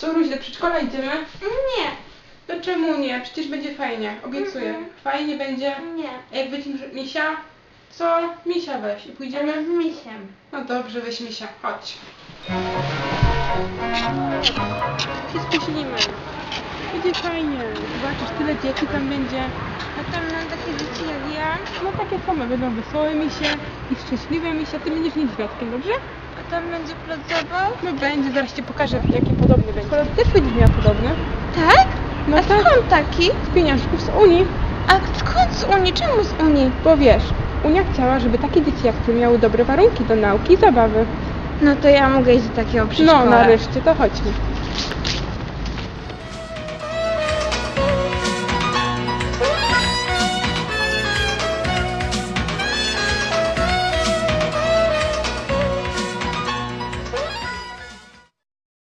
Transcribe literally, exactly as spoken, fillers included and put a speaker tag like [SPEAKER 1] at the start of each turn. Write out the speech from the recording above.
[SPEAKER 1] Co, Ruś, do przedszkola idziemy?
[SPEAKER 2] Nie.
[SPEAKER 1] No czemu nie? Przecież będzie fajnie, obiecuję.
[SPEAKER 2] Mhm.
[SPEAKER 1] Fajnie będzie.
[SPEAKER 2] Nie.
[SPEAKER 1] A jak weźmiesz misia? Co? Misia weź i pójdziemy?
[SPEAKER 2] Z misiem.
[SPEAKER 1] No dobrze, weź misia, chodź. Się spóźnimy. Będzie fajnie. Zobaczysz, tyle dzieci tam będzie.
[SPEAKER 2] A tam mam takie dzieci jak ja?
[SPEAKER 1] No takie same, będą wesołe misie i szczęśliwe misie. Ty będziesz niedźwiadkiem, dobrze?
[SPEAKER 2] A tam będzie plac zabaw?
[SPEAKER 1] No będzie, zaraz ci pokażę, jaki podobny będzie. Kolor też będziesz miała podobny.
[SPEAKER 2] Tak?
[SPEAKER 1] No
[SPEAKER 2] A
[SPEAKER 1] tak.
[SPEAKER 2] skąd taki?
[SPEAKER 1] Z pieniążków z Unii.
[SPEAKER 2] A skąd z Unii? Czemu z Unii?
[SPEAKER 1] Bo wiesz, Unia chciała, żeby takie dzieci jak ty miały dobre warunki do nauki i zabawy.
[SPEAKER 2] No to ja mogę iść do takiego przedszkola.
[SPEAKER 1] No nareszcie, to chodźmy.